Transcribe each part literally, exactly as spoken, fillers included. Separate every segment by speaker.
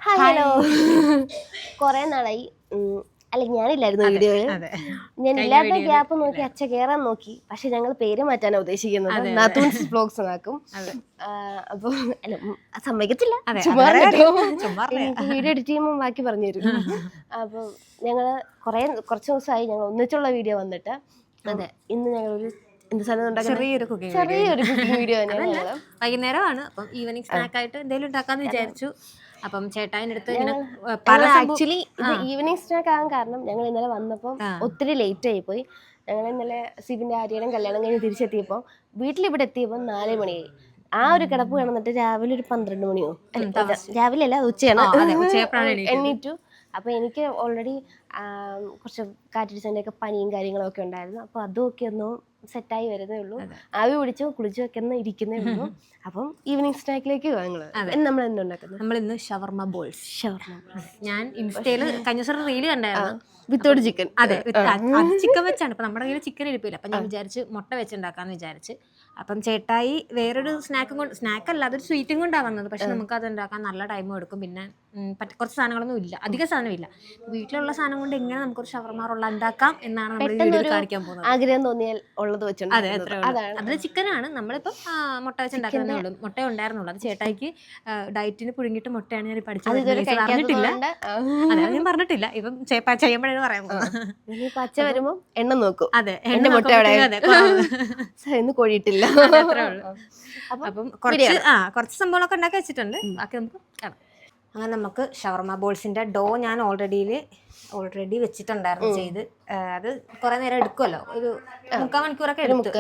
Speaker 1: Hello കൊറേ നാളായി. അല്ല ഞാനില്ലായിരുന്നു വീഡിയോയിൽ. ഞാൻ ഇല്ലാത്ത ഗ്യാപ്പ് നോക്കി അച്ഛ കേറാൻ നോക്കി. പക്ഷെ ഞങ്ങൾ പേര് മാറ്റാനാ ഉദ്ദേശിക്കുന്നത്. നാത്തൂൻസ് വ്ലോഗ്സ് ആക്കും. അപ്പൊ അല്ല സമ്മതിക്കത്തില്ല, എനിക്ക് വീഡിയോ എഡിറ്റ് ചെയ്യുമ്പോൾ ബാക്കി പറഞ്ഞു തരും. അപ്പൊ ഞങ്ങള് കൊറേ കുറച്ച് ദിവസമായി ഞങ്ങൾ ഒന്നിച്ചുള്ള വീഡിയോ വന്നിട്ട്. അതെ, ഇന്ന് ഞങ്ങളൊരു എന്ത് സാധനം ചെറിയൊരു ചെറിയൊരു കുക്കിംഗ് വീഡിയോ തന്നെയാണ്.
Speaker 2: വൈകുന്നേരമാണ്. അപ്പം ഈവനിങ് സ്നാക്ക് ആയിട്ട് എന്തെങ്കിലും ഉണ്ടാക്കാന്ന് വിചാരിച്ചു. അപ്പം ചേട്ടായിന്റെ അടുത്ത്
Speaker 1: ആക്ച്വലി ഇത് ഈവനിങ് സ്നാക്ക് ആകാൻ കാരണം ഞങ്ങൾ ഇന്നലെ വന്നപ്പോൾ ഒത്തിരി ലേറ്റ് ആയി പോയി. ഞങ്ങൾ ഇന്നലെ സിബിന്റെ ആര്യയുടെ കല്യാണം കഴിഞ്ഞ് തിരിച്ചെത്തിയപ്പോൾ വീട്ടിലിവിടെ എത്തിയപ്പോൾ നാല് മണിയായി. ആ ഒരു കിടപ്പ് കിടന്നിട്ട് രാവിലെ ഒരു പന്ത്രണ്ട് മണിയോ, രാവിലെ അല്ല ഉച്ചയാണ് എണ്ണീറ്റു. അപ്പൊ എനിക്ക് ഓൾറെഡി കുറച്ച് കാറ്റടിച്ചതിന്റെ ഒക്കെ പനിയും കാര്യങ്ങളും ഒക്കെ ഉണ്ടായിരുന്നു. അപ്പൊ അതൊക്കെ ഒന്നും സെറ്റായി വരുന്നേ ഉള്ളൂ. ആവി പിടിച്ചു കുളിച്ചു ഒക്കെ ഒന്ന് ഇരിക്കുന്നേ ഉള്ളൂ. അപ്പം ഈവനിങ് സ്നാക്കിലേക്ക് നമ്മൾ എന്തുണ്ടാക്കുന്നത്?
Speaker 2: നമ്മൾ ഇന്ന് ഷവർമ ബോൾസ്. ഷവർമ ഞാൻ ഇൻസ്റ്റയില് കഴിഞ്ഞ ദിവസം റീല് കണ്ടായിരുന്നു.
Speaker 1: വിത്തോട് ചിക്കൻ.
Speaker 2: അതെ, ചിക്കൻ വെച്ചാണ്. ഇപ്പൊ നമ്മുടെ കയ്യിൽ ചിക്കൻ ഇരിപ്പില്ല. അപ്പൊ ഞാൻ വിചാരിച്ച് മുട്ട വെച്ചുണ്ടാക്കാന്ന് വിചാരിച്ച്. അപ്പം ചേട്ടായി വേറൊരു സ്നാക്കും കൊണ്ട്, സ്നാക്ക് അല്ല അതൊരു സ്വീറ്റും കൊണ്ടാണ് വന്നത്. പക്ഷെ നമുക്ക് അത് ഉണ്ടാക്കാൻ നല്ല ടൈമും എടുക്കും. പിന്നെ കുറച്ച് സാധനങ്ങളൊന്നും ഇല്ല, അധികം സാധനമില്ല. വീട്ടിലുള്ള സാധനം കൊണ്ട് എങ്ങനെ നമുക്കൊരു ഷവർമ റോൾ ഉണ്ടാക്കാം എന്നാണ് നമ്മൾ കാണിക്കാൻ പോകുന്നത്.
Speaker 1: ആഗ്രഹം തോന്നിയാൽ ഉള്ളത് വെച്ചിട്ടുണ്ട്.
Speaker 2: അതെ, അത്രേ ഉള്ളൂ. അത് ചിക്കനാണ്. നമ്മളിപ്പം മുട്ട വെച്ച് ഉണ്ടാക്കുന്നതേ ഉള്ളൂ. മുട്ട ഉണ്ടായിരുന്നുള്ളൂ. അത് ചേട്ടായിക്ക് ഡയറ്റിന് പുഴുങ്ങിയിട്ട് മുട്ടയാണ് ഞാൻ പഠിച്ചത്. പറഞ്ഞിട്ടില്ല, അതെ ഞാൻ പറഞ്ഞിട്ടില്ല. ഇപ്പം ചെയ്യുമ്പോഴാണ് പറയാൻ പോകുന്നത്.
Speaker 1: പച്ച വരുമ്പോ എണ്ണ നോക്കും.
Speaker 2: അതെ,
Speaker 1: എന്റെ മുട്ട കോഴിയിട്ടില്ല.
Speaker 2: അത്രേ ഉള്ളൂ. അപ്പം കുറച്ച് ആ കുറച്ച് സംഭവങ്ങളൊക്കെ ഉണ്ടാക്കി വെച്ചിട്ടുണ്ട്. ബാക്കി നമുക്ക് കാണാം. അങ്ങനെ നമുക്ക് ഷവർമ ബോൾസിന്റെ ഡോ ഞാൻ ഓൾറെഡി ഓൾറെഡി വെച്ചിട്ടുണ്ടായിരുന്നു ചെയ്ത്. അത് കുറെ നേരം എടുക്കുമല്ലോ, ഒരു മുക്കാൽ മണിക്കൂറൊക്കെ എടുത്തു.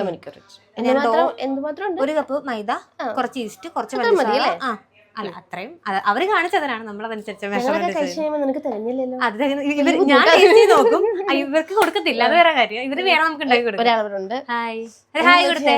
Speaker 2: ഒരു കപ്പ് മൈദ, കുറച്ച് ഈസ്റ്റ്, കുറച്ച് പഞ്ചസാര. ആ അല്ല അത്രയും അവര് കാണിച്ചതിനാണ്, നമ്മളതനുസരിച്ച് ഞാൻ നോക്കും. ഇവർക്ക് കൊടുക്കത്തില്ല, അത് വേറെ കാര്യം. ഇവര് വേണം നമുക്ക് ഉണ്ടാക്കി കൊടുക്കും. ഹായ് ഹായ് കൊടുത്തേ.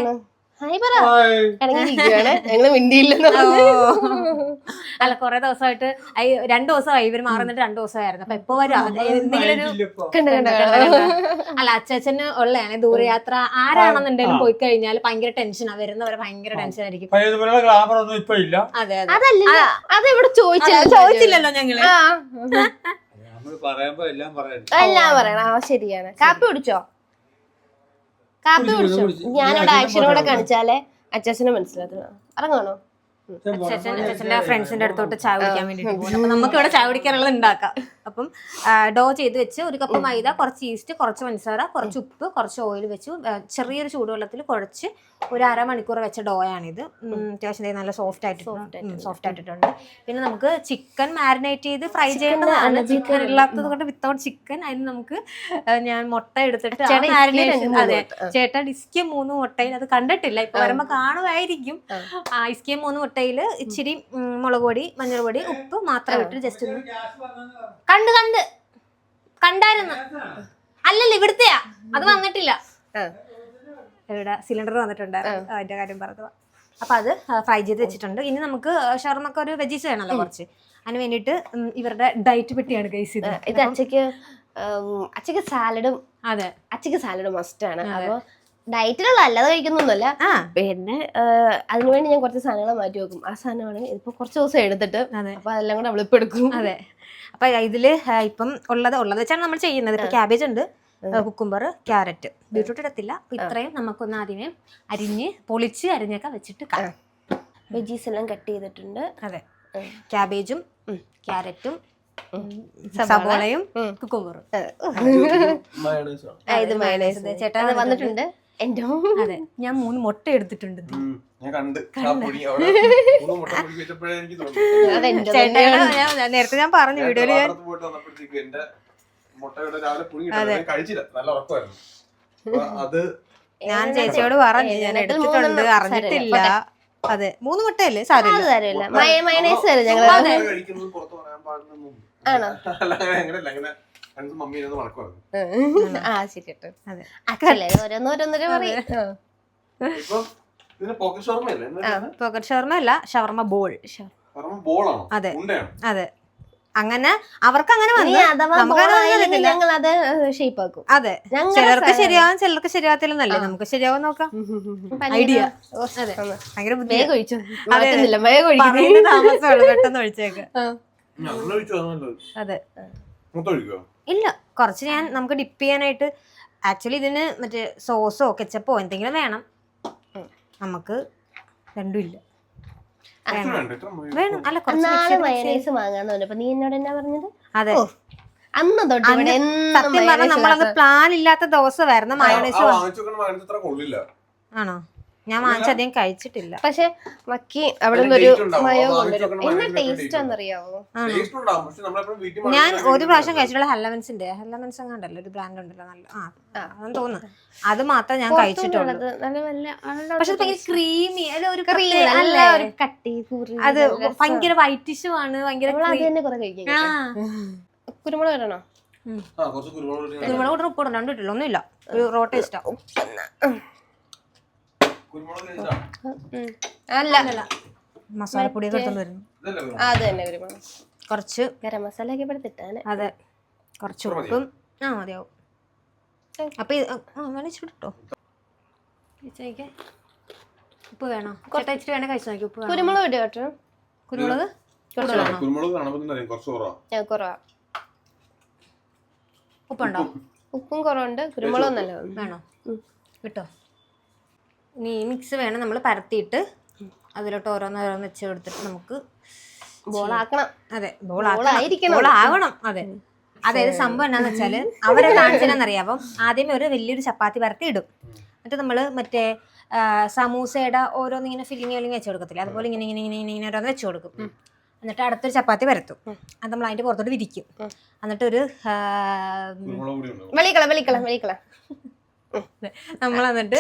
Speaker 2: അല്ല കൊറേ ദിവസമായിട്ട് രണ്ടു ദിവസമായി ഇവര് മാറുന്നിട്ട് രണ്ടു ദിവസമായിരുന്നു. അപ്പൊ എപ്പോ വരും എന്തെങ്കിലും ഒരു അല്ല അച്ഛന് ഉള്ളതാണ് ദൂരയാത്ര. ആരാണെന്നുണ്ടെങ്കിലും പോയി കഴിഞ്ഞാൽ ഭയങ്കര ടെൻഷനാ. വരുന്നവരെ ഭയങ്കര ടെൻഷൻ ആയിരിക്കും. അതെ അതെ, ചോദിച്ചില്ലല്ലോ ഞങ്ങള്.
Speaker 1: എല്ലാം പറയണം. ശരിയാണ്. കാപ്പി കുടിച്ചോ? കാപ്പി കുടിച്ചോ? ഞാനവിടെ ആക്ഷനോടെ കാണിച്ചാലേ അച്ഛനെ മനസ്സിലാക്കണം. ഇറങ്ങണോ?
Speaker 2: അച്ഛൻ്റെ ഫ്രണ്ട്സിന്റെ അടുത്തോട്ട് ചായ കുടിക്കാൻ വേണ്ടിട്ട് പോകും. അപ്പൊ നമുക്ക് ഇവിടെ ചായ കുടിക്കാനുള്ളത് ഉണ്ടാക്കാം. അപ്പം ഡോ ചെയ്ത് വെച്ച് ഒരു കപ്പ് മൈദ, കുറച്ച് ഈസ്റ്റ്, കുറച്ച് പഞ്ചസാര, കുറച്ച് ഉപ്പ്, കുറച്ച് ഓയിൽ വെച്ച് ചെറിയൊരു ചൂടുവെള്ളത്തിൽ കുഴച്ച് ഒരു അരമണിക്കൂർ വെച്ച ഡോയാണിത്. അത്യാവശ്യം നല്ല സോഫ്റ്റ് ആയിട്ട് സോഫ്റ്റ് ആയിട്ടുണ്ട്. പിന്നെ നമുക്ക് ചിക്കൻ മാരിനേറ്റ് ചെയ്ത് ഫ്രൈ ചെയ്യേണ്ടതാണ്. ചിക്കൻ ഇല്ലാത്തത് കൊണ്ട് വിത്തൗട്ട് ചിക്കൻ അതിന് നമുക്ക് ഞാൻ മുട്ട എടുത്തിട്ട് മാരിനേഷൻ. അതെ, ചേട്ടാ ഇസ്കിയ മൂന്ന് മുട്ടയിൽ അത് കണ്ടിട്ടില്ല, ഇപ്പൊ വരുമ്പോ കാണുമായിരിക്കും. ആ ഇസ്കിയ മൂന്ന് മുട്ടയില് ഇച്ചിരി മുളക് പൊടി, മഞ്ഞൾ പൊടി, ഉപ്പ് മാത്രം ഇട്ട് ജസ്റ്റ് ഒന്ന് കണ്ട് കണ്ട് കണ്ടായിരുന്നു. അല്ലല്ല ഇവിടുത്തെയാ, അത് വന്നിട്ടില്ല. ഇവിടെ സിലിണ്ടർ വന്നിട്ടുണ്ടായിരുന്നു, അതിന്റെ കാര്യം പറഞ്ഞത്. അപ്പൊ അത് ഫ്രൈ ചെയ്ത് വെച്ചിട്ടുണ്ട്. ഇനി നമുക്ക് ഷവർമക്ക് ഒരു വെജീസ് വേണമല്ലോ കുറച്ച്. അതിന് വേണ്ടിട്ട് ഇവരുടെ ഡയറ്റ് പെട്ടിയാണ് ഗൈസ് ഇത്.
Speaker 1: ഇത് അച്ഛക്ക് അച്ഛക്ക് സാലഡും. അതെ, അച്ഛക്ക് സാലഡ് മസ്റ്റ് ആണ്. അപ്പൊ ഡയറ്റിലുള്ള അല്ലാതെ കഴിക്കുന്നൊന്നുമല്ല. പിന്നെ അതിനുവേണ്ടി ഞാൻ കുറച്ച് സാധനങ്ങൾ മാറ്റി വെക്കും. ആ സാധനമാണ് ഇപ്പൊ കുറച്ച് ദിവസം എടുത്തിട്ട് അപ്പൊ അതെല്ലാം കൂടെ അവളിപ്പോ എടുക്കും.
Speaker 2: അതെ, അപ്പൊ ഇതില് ഇപ്പം ഉള്ളത് ഉള്ളത് വെച്ചാണ് നമ്മൾ ചെയ്യുന്നത്. ഇപ്പൊ ക്യാബേജ് ഉണ്ട്, കുക്കുംബർ, ക്യാരറ്റ്, ബീട്രൂട്ട് ഇടത്തില്ല. അപ്പൊ ഇത്രയും നമുക്കൊന്ന് ആദ്യമേ അരിഞ്ഞ് പൊളിച്ച് അരിഞ്ഞൊക്കെ വെച്ചിട്ട് കാണാം.
Speaker 1: വെജീസ് എല്ലാം കട്ട് ചെയ്തിട്ടുണ്ട്.
Speaker 2: അതെ, ക്യാബേജും ക്യാരറ്റും സവോളയും കുക്കുംബറും.
Speaker 1: ഇത് മയണൈസ് ചേട്ടാ വന്നിട്ടുണ്ട്.
Speaker 2: അതെ, ഞാൻ മൂന്ന് മുട്ട എടുത്തിട്ടുണ്ട്. നേരത്തെ ഞാൻ പറഞ്ഞു വീഡിയോയില് ഞാൻ ചേച്ചിയോട് പറഞ്ഞു ഞാൻ എടുത്തിട്ടുണ്ട്, അറിഞ്ഞിട്ടില്ല. അതെ, മൂന്ന് മുട്ടയല്ലേ സാരമില്ല.
Speaker 1: മയണൈസ്
Speaker 2: പോക്കറ്റ് ഷവർമ അല്ല, ഷവർമ ബോൾ. അതെ അതെ, അങ്ങനെ അവർക്ക് അങ്ങനെ അതെ, ചിലർക്ക് ശരിയാവും ചിലർക്ക് ശരിയാകത്തില്ലെന്നല്ലേ. നമുക്ക് ശരിയാവും നോക്കാം. ഐഡിയ ഭയങ്കര താമസമുള്ളൂ, പെട്ടെന്ന് ഒഴിച്ചേക്ക്. അതെ ഇല്ല, കുറച്ച് ഞാൻ നമുക്ക് ഡിപ്പ് ചെയ്യാനായിട്ട്. ആക്ച്വലി ഇതിന് മറ്റേ സോസോ കെച്ചപ്പോ എന്തെങ്കിലും വേണം. നമുക്ക് രണ്ടും ഇല്ല. വേണം അല്ല
Speaker 1: നാളെ മയണൈസ് വാങ്ങാന്ന് പറഞ്ഞപ്പോ നീ എന്നോട് എന്നാ പറഞ്ഞത്?
Speaker 2: അതെ,
Speaker 1: അന്ന് തൊട്ട്
Speaker 2: സത്യം പറഞ്ഞാൽ നമ്മളത് പ്ലാൻ ഇല്ലാത്ത ദിവസം വരുന്ന മയോണൈസ്. ആണോ? ഞാൻ വാങ്ങിച്ചധികം കഴിച്ചിട്ടില്ല.
Speaker 1: പക്ഷെ മക്കി അവിടെ നിന്നൊരു മയോ കൊണ്ടുവരും. എന്നാ ടേസ്റ്റ് ആണെന്നറിയാവോ?
Speaker 2: ഞാൻ ഒരു പ്രാവശ്യം കഴിച്ചിട്ടുള്ള ഹെല്ലവൻസിന്റെ ഹെല്ലവൻസ് അങ്ങാണ്ടല്ലോ ഒരു ബ്രാൻഡ് ഉണ്ടല്ലോ, നല്ല ആ അതെന്ന് തോന്നുന്നു. അത് മാത്രം ഞാൻ കഴിച്ചിട്ടുള്ളൂ. പക്ഷെ ഭയങ്കര ക്രീമി, അല്ല ഒരു
Speaker 1: കട്ടി,
Speaker 2: അത് ഭയങ്കര വൈറ്റിഷും ആണ്. ഭയങ്കര
Speaker 1: കുരുമുളക് ഇടണോ?
Speaker 2: കുരുമുളക് ഇടണം, ഉപ്പ് ഇടണം, രണ്ടും ഇട്ടില്ല, ഒന്നുമില്ല. ഒരു റോ ടേസ്റ്റാ.
Speaker 1: അല്ല
Speaker 2: മസാലപ്പൊടിയൊക്കെ എടുത്തോണ്ട് വരുന്നു.
Speaker 1: അത് തന്നെ കുരുമുളക്.
Speaker 2: കുറച്ച്
Speaker 1: ഗരം മസാല ഒക്കെ എടുത്തിട്ടാണ്.
Speaker 2: അതെ, കുറച്ച് ഉപ്പും ആ മതിയാവും. അപ്പൊ വേണിച്ചിട്ടോ ഉപ്പ് വേണോ? ചേട്ടാ ഇച്ചിരി വേണേ കഴിച്ചു നോക്കി. ഉപ്പ്
Speaker 1: കുരുമുളക് ഇടുക കേട്ടോ.
Speaker 2: കുരുമുളക്
Speaker 1: കുറവാ.
Speaker 2: ഉപ്പുണ്ടോ?
Speaker 1: ഉപ്പും കുറവുണ്ട്, കുരുമുളകും നല്ല
Speaker 2: വേണോ? കിട്ടോ? ഇനി ഈ മിക്സ് വേണം നമ്മൾ പരത്തിയിട്ട് അതിലോട്ട് ഓരോന്നോരോന്ന് വെച്ച് കൊടുത്തിട്ട് നമുക്ക്
Speaker 1: ബോളാക്കണം.
Speaker 2: അതെ, ബോളാവണം. അതെ, അതായത് സംഭവം എന്നാന്ന് വെച്ചാല് അവരെ കാണിച്ചതെന്നറിയാം. ആദ്യമേ ഒരു വലിയൊരു ചപ്പാത്തി പരത്തി ഇടും. എന്നിട്ട് നമ്മള് മറ്റേ സമൂസയുടെ ഓരോന്നിങ്ങനെ ഫില്ലിങ് ഫില്ലിങ് വെച്ച് കൊടുക്കത്തില്ല, അതുപോലെ ഇങ്ങനെ ഇങ്ങനെ ഇങ്ങനെ ഇങ്ങനെ ഓരോന്ന് വെച്ച് കൊടുക്കും. എന്നിട്ട് അടുത്തൊരു ചപ്പാത്തി പരത്തും. അത് നമ്മൾ അതിന്റെ പുറത്തോട്ട് വിരിക്കും. എന്നിട്ട് ഒരു
Speaker 1: വെളിക്കള വെളിക്കള വെളിക്കള
Speaker 2: നമ്മൾ എന്നിട്ട്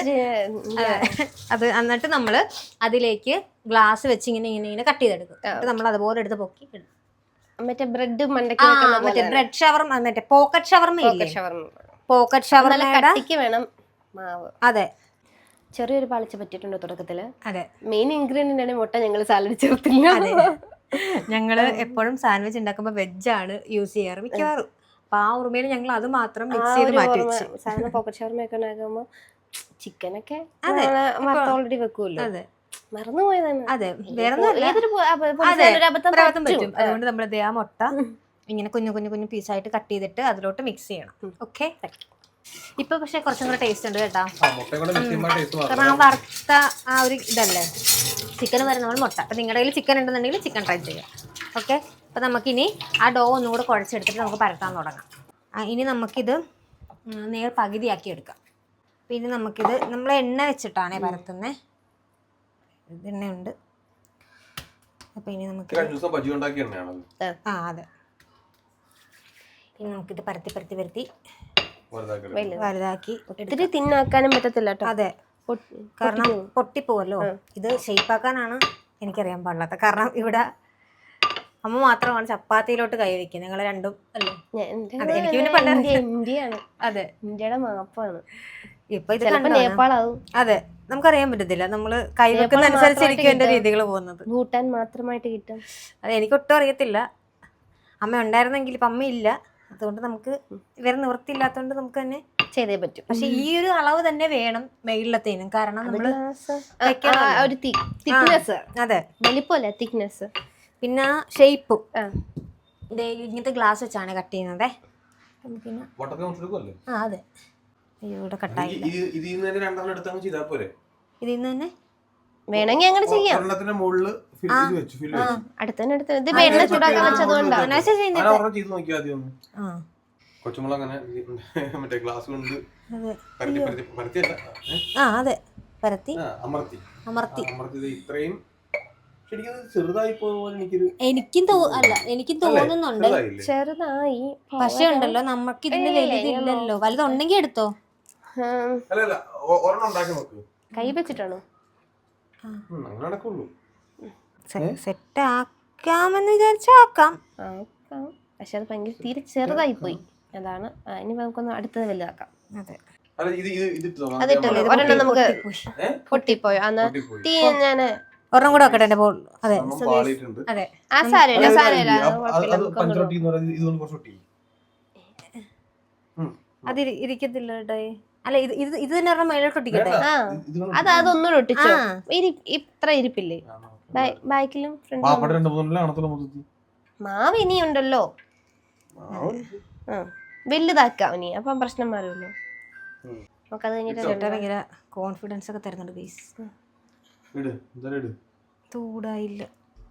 Speaker 2: അത് എന്നിട്ട് നമ്മള് അതിലേക്ക് ഗ്ലാസ് വെച്ച് ഇങ്ങനെ ഇങ്ങനെ ഇങ്ങനെ കട്ട് ചെയ്തെടുക്കും. എന്നിട്ട് നമ്മൾ അതുപോലെ എടുത്ത് പൊക്കി ഇടും.
Speaker 1: മറ്റേ ബ്രെഡ്
Speaker 2: മറ്റേ ബ്രെഡ് ഷവർമ, മറ്റേ പോക്കറ്റ് ഷവർമ ഇല്ലേ? പോക്കറ്റ് ഷവർമ
Speaker 1: വേണം മാവ്.
Speaker 2: അതെ,
Speaker 1: ചെറിയൊരു പാളിച്ച പറ്റിയിട്ടുണ്ട് തുടക്കത്തില്.
Speaker 2: അതെ,
Speaker 1: മെയിൻ ഇൻഗ്രീഡിയന്റ് ആണ് മുട്ട. ഞങ്ങൾ സാലഡ് ചേർത്തില്ല.
Speaker 2: ഞങ്ങള് എപ്പോഴും സാൻഡ്വിച്ച് ഉണ്ടാക്കുമ്പോ വെജാണ് യൂസ് ചെയ്യാറ് മിക്കവാറും. അപ്പൊ ആ ഓർമ്മയിൽ ഞങ്ങൾ അത് മാത്രം മിക്സ് ചെയ്ത് മാറ്റി വെച്ചു.
Speaker 1: സാധാരണ പോക്കറ്റ് ഷവർമയൊക്കെ ഉണ്ടാക്കുമ്പോ ചിക്കനൊക്കെ ഓൾറെഡി വെക്കൂല്ലോ.
Speaker 2: അതെ,
Speaker 1: മറന്നുപോയതാണ്.
Speaker 2: അതെ, വേറെ പറ്റും. അതുകൊണ്ട് നമ്മൾ ആ മുട്ട ഇങ്ങനെ കുഞ്ഞു കുഞ്ഞു കുഞ്ഞു പീസായിട്ട് കട്ട് ചെയ്തിട്ട് അതിലോട്ട് മിക്സ് ചെയ്യണം. ഓക്കെ, ഇപ്പൊ പക്ഷെ കുറച്ചും കൂടെ ടേസ്റ്റ് ഉണ്ട് കേട്ടോ. കാരണം ആ വറുത്ത ആ ഒരു ഇതല്ലേ ചിക്കൻ വരുന്ന മുട്ട. അപ്പൊ നിങ്ങളുടെ കയ്യിൽ ചിക്കൻ ഉണ്ടെന്നുണ്ടെങ്കിൽ ചിക്കൻ ട്രൈ ചെയ്യാം. ഓക്കെ, അപ്പൊ നമുക്കിനി ആ ഡോ ഒന്നും കൂടെ കുഴച്ചെടുത്തിട്ട് നമുക്ക് പരത്താൻ തുടങ്ങാം. ഇനി നമുക്കിത് നേർ പകുതിയാക്കി എടുക്കാം. പിന്നെ നമുക്കിത് നമ്മൾ എണ്ണ വെച്ചിട്ടാണേ പരത്തുന്നത്. എണ്ണയുണ്ട്. അപ്പൊ ഇനി നമുക്ക് ആ അതെ, ഇനി നമുക്കിത് പരത്തി പരത്തി പരത്തി വലുതാക്കി.
Speaker 1: ഒത്തിരി തിന്നാക്കാനും പറ്റത്തില്ല കേട്ടോ.
Speaker 2: അതെ, കാരണം പൊട്ടിപ്പോവല്ലോ. ഇത് ഷേപ്പാക്കാനാണ് എനിക്കറിയാൻ പാടില്ലാത്ത. കാരണം ഇവിടെ അമ്മ മാത്രമാണ് ചപ്പാത്തിയിലോട്ട് കൈ വെക്കുന്നത്. ഞങ്ങൾ രണ്ടും അല്ലേ? എനിക്ക് പിന്നെ
Speaker 1: ഇന്ത്യയാണ്.
Speaker 2: അതെ,
Speaker 1: ഇന്ത്യയുടെ മാപ്പാണ്.
Speaker 2: ഇപ്പൊ ഇത് നേപ്പാളാവും. അതെ, നമുക്കറിയാൻ പറ്റത്തില്ല. നമ്മള് കൈ വെക്കുന്ന അനുസരിച്ചിരിക്കും എന്റെ രീതികൾ പോകുന്നത്.
Speaker 1: ഭൂട്ടാൻ മാത്രമായിട്ട് കിട്ടും.
Speaker 2: അതെ, എനിക്കൊട്ടും അറിയത്തില്ല. അമ്മ ഉണ്ടായിരുന്നെങ്കിൽ ഇപ്പൊ അമ്മയില്ല. അതുകൊണ്ട് നമുക്ക് ഇവരെ നിവൃത്തിയില്ലാത്തതുകൊണ്ട് നമുക്ക് തന്നെ ചെയ്തേ പറ്റും. പക്ഷെ ഈ ഒരു അളവ് തന്നെ വേണം മേളിലത്തേനും. കാരണം നമ്മള് അതെ
Speaker 1: വലിപ്പമല്ല, തിക്നെസ്, പിന്നെ
Speaker 2: ഷേപ്പും. ഇങ്ങനത്തെ ഗ്ലാസ് വെച്ചാണ് കട്ട് ചെയ്യുന്നത്. ആ അതെ, ഇവിടെ കട്ടായി. ഇതിന്ന് തന്നെ വേണമെങ്കിൽ അങ്ങനെ ചെയ്യാം. എനിക്കും അല്ല എനിക്കും തോന്നുന്നുണ്ട് ചെറുതായി. പക്ഷെ ഉണ്ടല്ലോ നമുക്ക് ഇതിന് വലുതില്ലല്ലോ. വലുതുണ്ടെങ്കിൽ എടുത്തോ.
Speaker 1: കൈ വെച്ചിട്ടാണോ?
Speaker 2: സെറ്റ് ആക്കാമെന്ന് വിചാരിച്ചാ ആക്കാം.
Speaker 1: പക്ഷെ അത് ഭയങ്കര തീരെ ചെറുതായി പോയി. അതാണ്. ഇനി നമുക്കൊന്ന് അടുത്തത് വലുതാക്കാം.
Speaker 2: അതെ,
Speaker 1: അതിട്ടല്ലേ ഒരെണ്ണം നമുക്ക് പൊട്ടിപ്പോയോ? അന്ന് തീ ഞാന്
Speaker 2: ഒരെണ്ണം കൂടെ വെക്കട്ടെ എന്റെ ബോൾ. അതെ
Speaker 1: അതെ, ആ സാരമില്ല സാരമില്ല.
Speaker 2: അത് ഇരിക്കത്തില്ല കേട്ടോ. അല്ല ഇത് ഇത് ഇത് തന്നെ ഒരെണ്ണം മേലോട്ട് ഒട്ടിക്കട്ടെ.
Speaker 1: അത് അതൊന്നും ഒട്ടിച്ചോ. ഇത്ര ഇരിപ്പില്ലേ ബാക്കിലും ഫ്രണ്ടിലും? മാവ് ഇനിയുണ്ടല്ലോ. ആ വലുതാക്കാം ഇനി, അപ്പം പ്രശ്നം മാറുമല്ലോ. നമുക്കത് കഴിഞ്ഞിട്ട്
Speaker 2: ഭയങ്കര കോൺഫിഡൻസ് ഒക്കെ തരുന്നുണ്ട് ഗൈസ്. ചൂടായില്ല,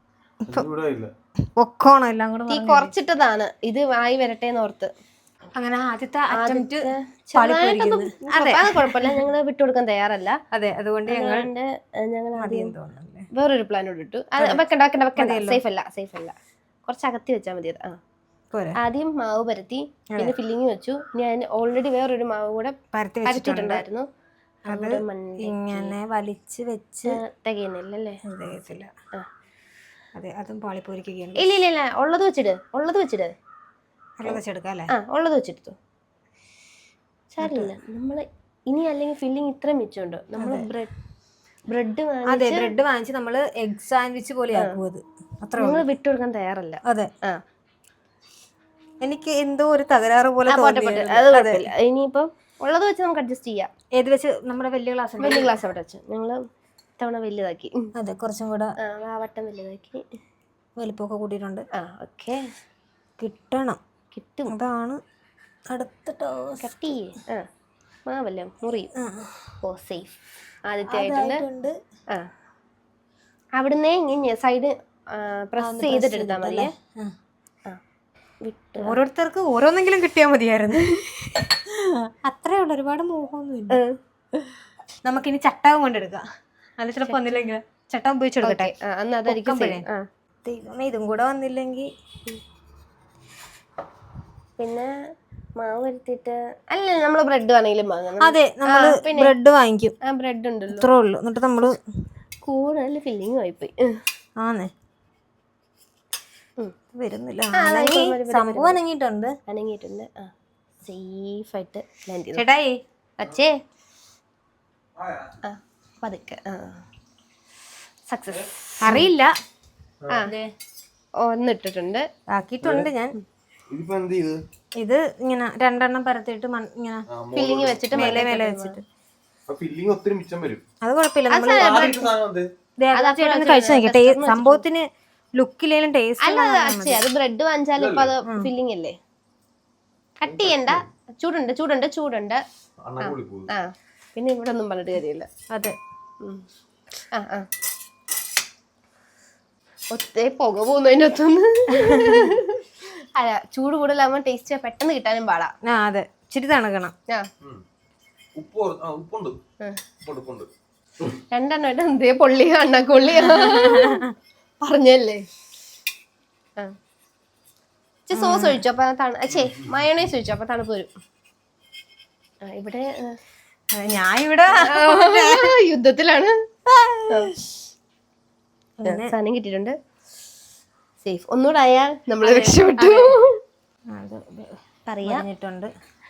Speaker 2: ഒക്കോണം എല്ലാം കൂടെ
Speaker 1: തീ കുറച്ചിട്ടതാണ്, ഇത് ആയി വരട്ടെ ഓർത്ത്.
Speaker 2: അങ്ങനെ ആദ്യത്തെ അറ്റംപ്റ്റ്
Speaker 1: അത് കുഴപ്പമില്ല, ഞങ്ങള് വിട്ടുകൊടുക്കാൻ തയ്യാറല്ല.
Speaker 2: അതെ, അതുകൊണ്ട് ഞങ്ങൾ
Speaker 1: ഞങ്ങൾ ആദ്യം വേറൊരു പ്ലാനോട് ഇട്ടു. അത് വെക്കണ്ട വെക്കണ്ട വെക്കണ്ട, സേഫ് അല്ല സേഫ് അല്ല, കുറച്ച് അകത്തി വെച്ചാൽ മതി. ആ ആദ്യം മാവ് പരത്തി, പിന്നെ ഫില്ലിങ് വെച്ചു. ഞാൻ ഓൾറെഡി വേറൊരു മാവ് കൂടെ പരത്തിയിട്ടുണ്ടായിരുന്നു.
Speaker 2: ഇങ്ങനെ വലിച്ച് വെച്ച്
Speaker 1: തികയുന്നില്ലല്ലേ?
Speaker 2: തികയത്തില്ല. അതെ, അതും പാളിപ്പോരിക്കുകയാണ്.
Speaker 1: ഇല്ല ഇല്ല ഇല്ല, ഉള്ളത് വെച്ചിട്, ഉള്ളത് വെച്ചിട്,
Speaker 2: ഉള്ളത് വെച്ചെടുക്കാം അല്ലേ?
Speaker 1: ആ ഉള്ളത് വെച്ചെടുത്തു, സാരില്ല. നമ്മള് ഇനി അല്ലെങ്കിൽ ഫില്ലിങ് ഇത്രയും മിച്ചമുണ്ട്. നമ്മള് ബ്രെഡ് ബ്രെഡ്
Speaker 2: അതെ ബ്രെഡ് വാങ്ങിച്ച് നമ്മള് എഗ് സാൻഡ്വിച്ച് പോലെ ആക്കും. അത് അത്ര
Speaker 1: നമ്മള് വിട്ടുകൊടുക്കാൻ തയ്യാറല്ല.
Speaker 2: അതെ, ആ എനിക്ക് എന്തോ ഒരു തകരാറ് പോലെ.
Speaker 1: ഇനിയിപ്പം ഉള്ളത് വെച്ച് നമുക്ക് അഡ്ജസ്റ്റ് ചെയ്യാം.
Speaker 2: ഏത് വെച്ച്? നമ്മുടെ വലിയ ഗ്ലാസ്
Speaker 1: വലിയ ഗ്ലാസ് അവിടെ വെച്ച് ഞങ്ങള് തവണ വലുതാക്കി.
Speaker 2: അതെ, കുറച്ചും കൂടെ
Speaker 1: ആ വട്ടം വലുതാക്കി,
Speaker 2: വലിപ്പമൊക്കെ കൂട്ടിയിട്ടുണ്ട്.
Speaker 1: ആ ഓക്കെ,
Speaker 2: കിട്ടണം,
Speaker 1: കിട്ടും.
Speaker 2: അതാണ് അടുത്ത
Speaker 1: കട്ട് ചെയ്യേ. ആ മാവല്ലേ മുറി. Oh safe. ആദ്യത്തെ ആയിട്ടുണ്ട്. ആ അവിടുന്ന് ഇങ്ങനെ സൈഡ് പ്രസ് ചെയ്തിട്ട് എടുത്താൽ മതിയേ.
Speaker 2: ഓരോരുത്തർക്ക് ഓരോന്നെങ്കിലും കിട്ടിയാൽ മതിയായിരുന്നു. അത്രേ ഉള്ളു, ഒരുപാട് മോഹമൊന്നുമില്ല. നമുക്കിനി ചട്ടകം കൊണ്ടെടുക്കാം. അത് ചിലപ്പോ വന്നില്ലെങ്കിൽ ചട്ടം ഉപയോഗിച്ചെടുക്കട്ടെ. ദൈവമേ, ഇതും കൂടെ വന്നില്ലെങ്കിൽ
Speaker 1: പിന്നെ മാവ് വരുത്തിട്ട് അല്ല, നമ്മള് ബ്രെഡ് വേണമെങ്കിലും വാങ്ങണം.
Speaker 2: അതെ, നമ്മള് ബ്രെഡ് വാങ്ങിക്കും.
Speaker 1: ആ ബ്രെഡ് ഉണ്ടല്ലോ,
Speaker 2: ഇത്രേ ഉള്ളു. എന്നിട്ട് നമ്മള്
Speaker 1: കൂടുതൽ ഫില്ലിങ് ആയിപ്പോയി. ആന്നേ
Speaker 2: വരുന്നില്ല, സംഭവം അനങ്ങിയിട്ടുണ്ട്
Speaker 1: അനങ്ങിയിട്ടുണ്ട് ആ സേഫ് ആയിട്ട് ലാൻഡ് ചെയ്തു.
Speaker 2: ചേട്ടായി
Speaker 1: അച്ഛേ ആ പതുക്കെ ആ സക്സസ്.
Speaker 2: അറിയില്ല,
Speaker 1: ആ ഒന്നിട്ടിട്ടുണ്ട്,
Speaker 2: ആക്കിയിട്ടുണ്ട് ഞാൻ. ഇത് ഇങ്ങനെ രണ്ടെണ്ണം പരത്തിയിട്ട് ഇങ്ങനെ
Speaker 1: ഫില്ലിങ് വെച്ചിട്ട്
Speaker 2: മേലെ മേലെ വെച്ചിട്ട് അത് കുഴപ്പമില്ല. കഴിച്ചു നോക്കട്ടെ, സംഭവത്തിന് ലുക്കിലേലും ടേസ്റ്റ്.
Speaker 1: അല്ല അച്ഛേ, അത് ബ്രെഡ് വാങ്ങിച്ചാലും ഇപ്പൊ അത് ഫില്ലിങ് അല്ലേ. കട്ട് ചെയ്യണ്ട, ചൂടുണ്ട് ചൂടുണ്ട് ചൂടുണ്ട്. ആ പിന്നെ ഇവിടെ ഒന്നും പറഞ്ഞിട്ട് കാര്യമില്ല.
Speaker 2: അതെ,
Speaker 1: ആ ആ ഒത്തേ പുക പോകുന്നതിൻ്റെ ഒത്തൊന്ന്. അല്ല, ചൂട് കൂടുതലാകുമ്പോ ടേസ്റ്റ് പെട്ടെന്ന് കിട്ടാനും പാടാ.
Speaker 2: ആ അതെ, ഇച്ചിരി തണുക്കണം.
Speaker 1: രണ്ടെണ്ണമായിട്ട് എന്തേ പൊള്ളിയ അണ്ണക്കൊള്ളിയ പറഞ്ഞല്ലേ. ആ സോസ് ഒഴിച്ചു അപ്പൊ തണു മയോണൈസ് ഒഴിച്ചു അപ്പൊ തണുപ്പ് വരും. ആ ഇവിടെ
Speaker 2: ഞാൻ ഇവിടെ
Speaker 1: യുദ്ധത്തിലാണ്. സാധനം കിട്ടിയിട്ടുണ്ട്, സേഫ്. ഒന്നുകൂടെ ആയാൽ നമ്മൾ രക്ഷപ്പെട്ടു.
Speaker 2: പറഞ്ഞിട്ടുണ്ട്.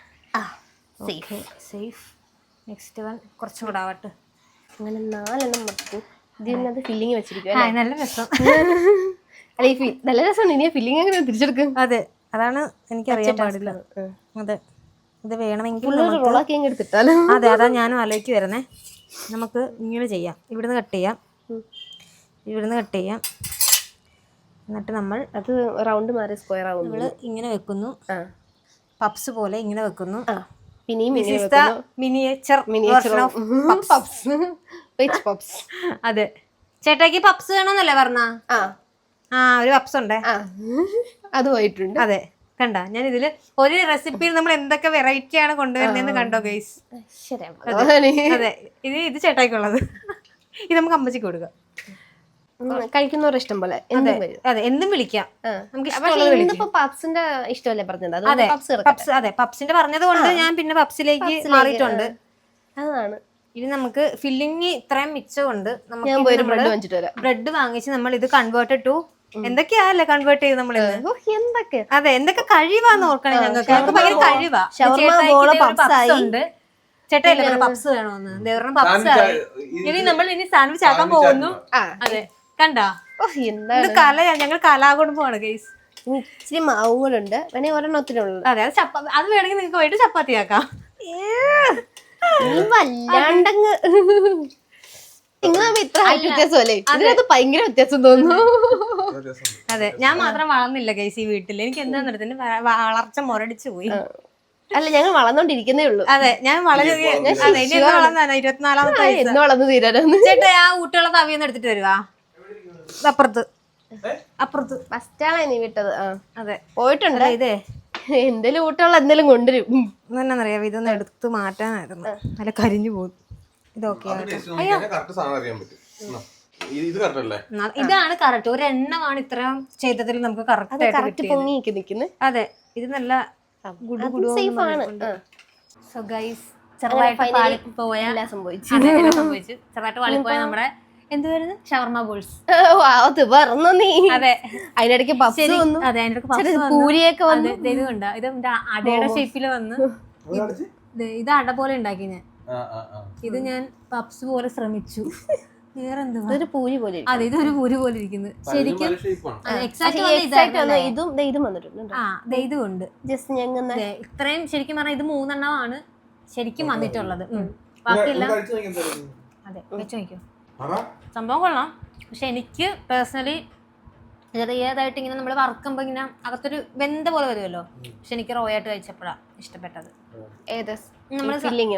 Speaker 2: സേഫ്. നെക്സ്റ്റ് വൺ കുറച്ചും കൂടെ ആവട്ടെ.
Speaker 1: അങ്ങനെ നാലെണ്ണം മറക്കും. ഇതിനകത്ത് ഫില്ലിങ് വെച്ചിരിക്കും.
Speaker 2: നല്ല രസം.
Speaker 1: അല്ല ഈ നല്ല രസമാണ്. ഇനി ഫില്ലിങ് എങ്ങനെ തിരിച്ചെടുക്കും?
Speaker 2: അതെ, അതാണ് എനിക്കറിയാൻ പാടില്ല. അതെ, ഇത് വേണമെങ്കിൽ
Speaker 1: എടുത്തിട്ടാലോ.
Speaker 2: അതെ, അതാ ഞാനും ആലോചിക്ക് വരുന്നേ. നമുക്ക് ഇങ്ങനെ ചെയ്യാം, ഇവിടുന്ന് കട്ട് ചെയ്യാം, ഇവിടുന്ന് കട്ട് ചെയ്യാം. എന്നിട്ട് നമ്മൾ
Speaker 1: അത് റൗണ്ട് മാറി സ്ക്വയർ ആവും.
Speaker 2: നമ്മൾ ഇങ്ങനെ വെക്കുന്നു, പപ്സ് പോലെ ഇങ്ങനെ വെക്കുന്നു.
Speaker 1: Miniature miniature puffs. പപ്സ്.
Speaker 2: അതെ, ചേട്ടാക്കി പപ്സ് വേണമെന്നല്ലേ പറഞ്ഞ? ആ ആ ഒരു പപ്സ് ഉണ്ടേ,
Speaker 1: അത് പോയിട്ടുണ്ട്.
Speaker 2: അതെ, കണ്ട ഞാൻ ഇതില് ഒരു റെസിപ്പിയിൽ നമ്മൾ എന്തൊക്കെ വെറൈറ്റി ആണ് കൊണ്ടുവരുന്നതെന്ന് കണ്ടോ ഗൈസ്? അതെ, ഇത് ഇത് ചേട്ടായിക്കുള്ളത്. ഇത് നമുക്ക് അമ്മച്ചിക്ക് കൊടുക്കാം.
Speaker 1: കഴിക്കുന്നവരുടെ ഇഷ്ടം പോലെ
Speaker 2: അതെ എന്തും വിളിക്കാം.
Speaker 1: പപ്സിന്റെ ഇഷ്ടമല്ലേ പറഞ്ഞത്?
Speaker 2: അതെ പപ്സ്, അതെ പപ്സിന്റെ പറഞ്ഞത് കൊണ്ട് ഞാൻ പിന്നെ പപ്സിലേക്ക് മാറിയിട്ടുണ്ട്.
Speaker 1: അതാണ്.
Speaker 2: ഇനി നമുക്ക് ഫില്ലിങ് ഇത്രയും മിച്ചമുണ്ട്.
Speaker 1: നമുക്ക്
Speaker 2: ബ്രെഡ് വാങ്ങിച്ച് നമ്മൾ ഇത് കൺവേർട്ട് ടു എന്തൊക്കെയാല്ലേ കൺവേർട്ട് ചെയ്ത് നമ്മൾ
Speaker 1: എന്തൊക്കെ
Speaker 2: അതെ എന്തൊക്കെ കഴിവാന്ന് ഓർക്കണേ. ഞങ്ങൾക്ക് ഞങ്ങൾക്ക് ഭയങ്കര കഴിവാ. ഉണ്ട് ചേട്ടായില്ലേ പപ്സ് വേണോന്ന്, ദേവറിന് പപ്സ് ആയി. ഇനി നമ്മൾ ഇനി സാൻഡ്വിച്ച് ആക്കാൻ പോകുന്നു. അതെ കണ്ടാ, ഇത് കലയാ, ഞങ്ങൾ കലാകുടുംബമാണ് ഗൈസ്.
Speaker 1: ഇച്ചിരി മാവും കൂടെ ഉണ്ട്, വേണമെങ്കിൽ ഒരെണ്ണത്തിനുള്ളത്.
Speaker 2: അതെ, അത് ചപ്പാത്തി, അത് വേണമെങ്കിൽ നിങ്ങൾക്ക് പോയിട്ട് ചപ്പാത്തി ആക്കാം.
Speaker 1: വല്ലാണ്ടങ്ങ് നിങ്ങൾ തമ്മിൽ ഇത്ര ഹൈറ്റ് വ്യത്യാസമല്ലേ ഇതിനകത്ത് ഭയങ്കര വ്യത്യാസം തോന്നുന്നു.
Speaker 2: അതെ, ഞാൻ മാത്രം വളർന്നില്ല ഗൈസ് ഈ വീട്ടിൽ. എനിക്ക് എന്താന്ന് എടുത്തിന് വളർച്ച മുരടിച്ചു പോയി.
Speaker 1: അല്ല ഞങ്ങൾ വളർന്നോണ്ടിരിക്കുന്നേ ഉള്ളൂ.
Speaker 2: അതെ, ഞാൻ വളരെ വളർന്നാണ് ഇരുപത്തിനാലാമത്തെ
Speaker 1: എന്ന് വളർന്നു തീരാനൊന്ന്.
Speaker 2: ചേട്ടാ ആ ഊട്ടിയുള്ള തവിയൊന്നും എടുത്തിട്ട് വരുവാ. അപ്പുറത്ത് അപ്പുറത്ത്
Speaker 1: ഫസ്റ്റാണ് ഇനി വിട്ടത്. ആ
Speaker 2: അതെ
Speaker 1: പോയിട്ടുണ്ട്.
Speaker 2: ഇതേ
Speaker 1: എന്തേലും ഊട്ടമുള്ള എന്തെങ്കിലും കൊണ്ടുവരും.
Speaker 2: എന്നറിയാം, ഇതൊന്ന് എടുത്ത് മാറ്റാനായിരുന്നു, നല്ല കരിഞ്ഞു പോകും. ഇതൊക്കെ ഇതാണ് കറക്റ്റ്. ഒരു എണ്ണമാണ് ഇത്രയും ചെയ്തതിൽ നമുക്ക് കറക്റ്റ്
Speaker 1: പൊങ്ങി നിൽക്കുന്നത്.
Speaker 2: അതെ, ഇത് നല്ല സോ ഗൈസ്
Speaker 1: ചെറുതായിട്ട്
Speaker 2: പോയ
Speaker 1: സംഭവിച്ചു
Speaker 2: സംഭവിച്ചു ചെറുതായിട്ട് പാളിപ്പോയ നമ്മുടെ എന്തുവായിരുന്നു ഷവർമ ബോൾസ്.
Speaker 1: പറഞ്ഞു നീ.
Speaker 2: അതെ,
Speaker 1: അതിനിടയ്ക്ക്
Speaker 2: അതെ, അതിനിടയ്ക്ക്
Speaker 1: പൂരിയൊക്കെ വന്ന്
Speaker 2: ഇത് കണ്ട, ഇത് അടയുടെ ഷേപ്പില് വന്ന് ഇത് അട പോലെ ഉണ്ടാക്കി ഞാൻ. ഇത് ഞാൻ പപ്സ് പോലെ ശ്രമിച്ചു. വേറെന്തുവാ
Speaker 1: പൂരി പോലെ.
Speaker 2: അതെ, ഇതൊരു പൂരി പോലെ ഇരിക്കുന്നത്. ശരിക്കും
Speaker 1: ഇതും ഇതും വന്നിട്ടുണ്ട്.
Speaker 2: ആ ഇത് ഉണ്ട് ജസ്റ്റ് ഞങ്ങൾ ഇത്രയും ശരിക്കും പറഞ്ഞാൽ ഇത് മൂന്നെണ്ണമാണ് ശരിക്കും വന്നിട്ടുള്ളത്. ബാക്കിയെല്ലാം അതെ വെച്ച് നോക്കിയോ, സംഭവം കൊള്ളാം. പക്ഷെ എനിക്ക് പേഴ്സണലി ചെറിയതായിട്ട് ഇങ്ങനെ നമ്മൾ വറക്കുമ്പോൾ ഇങ്ങനെ അകത്തൊരു വെന്ത പോലെ വരുമല്ലോ. പക്ഷെ എനിക്ക് റോ ആയിട്ട് കഴിച്ചപ്പോഴാണ് ഇഷ്ടപ്പെട്ടത്. നമ്മള്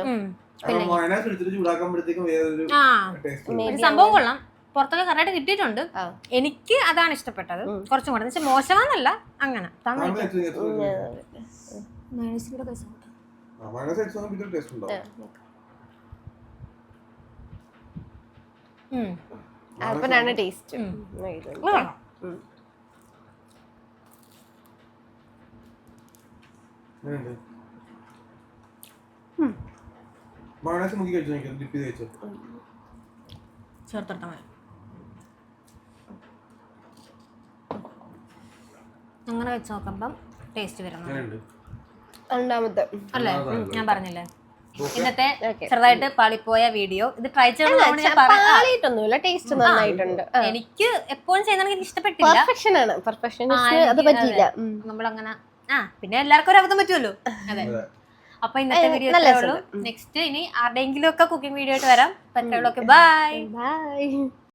Speaker 2: സംഭവം കൊള്ളാം, പുറത്തൊക്കെ കറക്റ്റ് കിട്ടിയിട്ടുണ്ട്. എനിക്ക് അതാണ് ഇഷ്ടപ്പെട്ടത് കുറച്ചും കൂടെ. എന്ന് വെച്ചാൽ മോശമാന്നല്ല, അങ്ങനെ
Speaker 1: അപ്പനാണ് ടേസ്റ്റ്.
Speaker 2: ചേർത്തോട്ടാ മതി. അങ്ങനെ വെച്ച് നോക്കുമ്പം ടേസ്റ്റ് വരുന്നു.
Speaker 1: രണ്ടാമത്തെ
Speaker 2: അല്ലേ, ഞാൻ പറഞ്ഞില്ലേ ഇന്നത്തെ ചെറുതായിട്ട് പാളിപ്പോയ വീഡിയോ. ഇത് ട്രൈ ചെയ്യണം.
Speaker 1: ടേസ്റ്റ് നന്നായിട്ടുണ്ട്.
Speaker 2: എനിക്ക് എപ്പോഴും ചെയ്യുന്ന എനിക്ക് ഇഷ്ടപ്പെട്ടില്ല.
Speaker 1: പെർഫെക്ഷൻ ആണ്, പെർഫെക്ഷൻ അത് പറ്റില്ല.
Speaker 2: നമ്മളങ്ങനെ ആ പിന്നെ എല്ലാവർക്കും ഒരു അബദ്ധം പറ്റുമല്ലോ. അതെ, അപ്പൊ ഇന്നത്തെ വീഡിയോ നെക്സ്റ്റ് ഇനി ആരുടെയെങ്കിലും ഒക്കെ കുക്കിംഗ് വീഡിയോ ആയിട്ട് വരാം. പറ്റുള്ളൂ. Bye
Speaker 1: by.